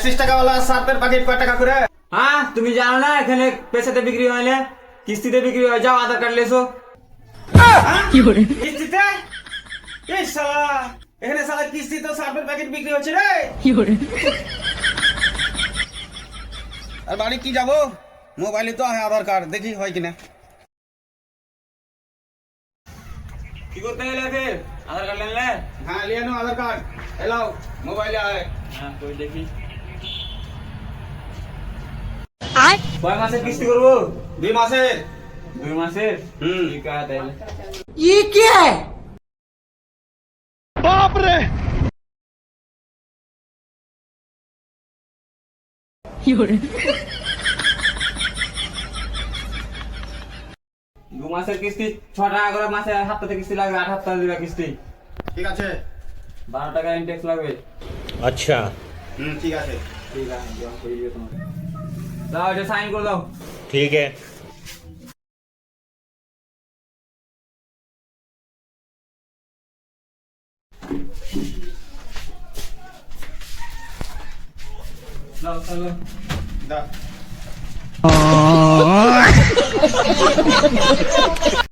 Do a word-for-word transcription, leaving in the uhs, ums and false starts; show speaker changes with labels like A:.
A: একশো টাকাওয়ালা সার্ফের প্যাকেট কয় টাকা করে?
B: হ্যাঁ তুমি জানো না এখানে পেছাতে বিক্রি হয় না, কিস্তিতে বিক্রি হয়। যাও আধার কার্ড লেসো।
A: কিস্তিতে? এই শালা, এখানে শালা কিস্তিতে সার্ফের প্যাকেট বিক্রি হচ্ছে রে। আর বাড়ি কি যাবো, মোবাইলে তো আছে আধার কার্ড, দেখি হয় কিনা।
B: কি করতে গেলে ফের আধার কার্ড লেনলে?
A: হ্যাঁ লিয়ে নো আধার কার্ড, এলাও মোবাইলে আয়।
B: হ্যাঁ তুই দেখি কয় মাসের কিস্তি করবো?
A: দুই মাসের।
B: দুই মাসের?
A: হুম।
B: ঠিক আছে তাহলে।
C: ये क्या है?
B: দু মাসের কিস্তি ছ টাকা করে মাসে, এক সপ্তাহে কিস্তি লাগবে, আট সপ্তাহে দিবা কিস্তি।
A: ঠিক আছে।
B: বারো টাকা ইনটেক্স লাগবে।
D: अच्छा
A: হুম ঠিক আছে।
B: ঠিক আছে দেওয়া করে দিবে তোমাকে। দাও এটা সাইন করে দাও।
D: ठीक है।
B: দাও চলো।
A: দা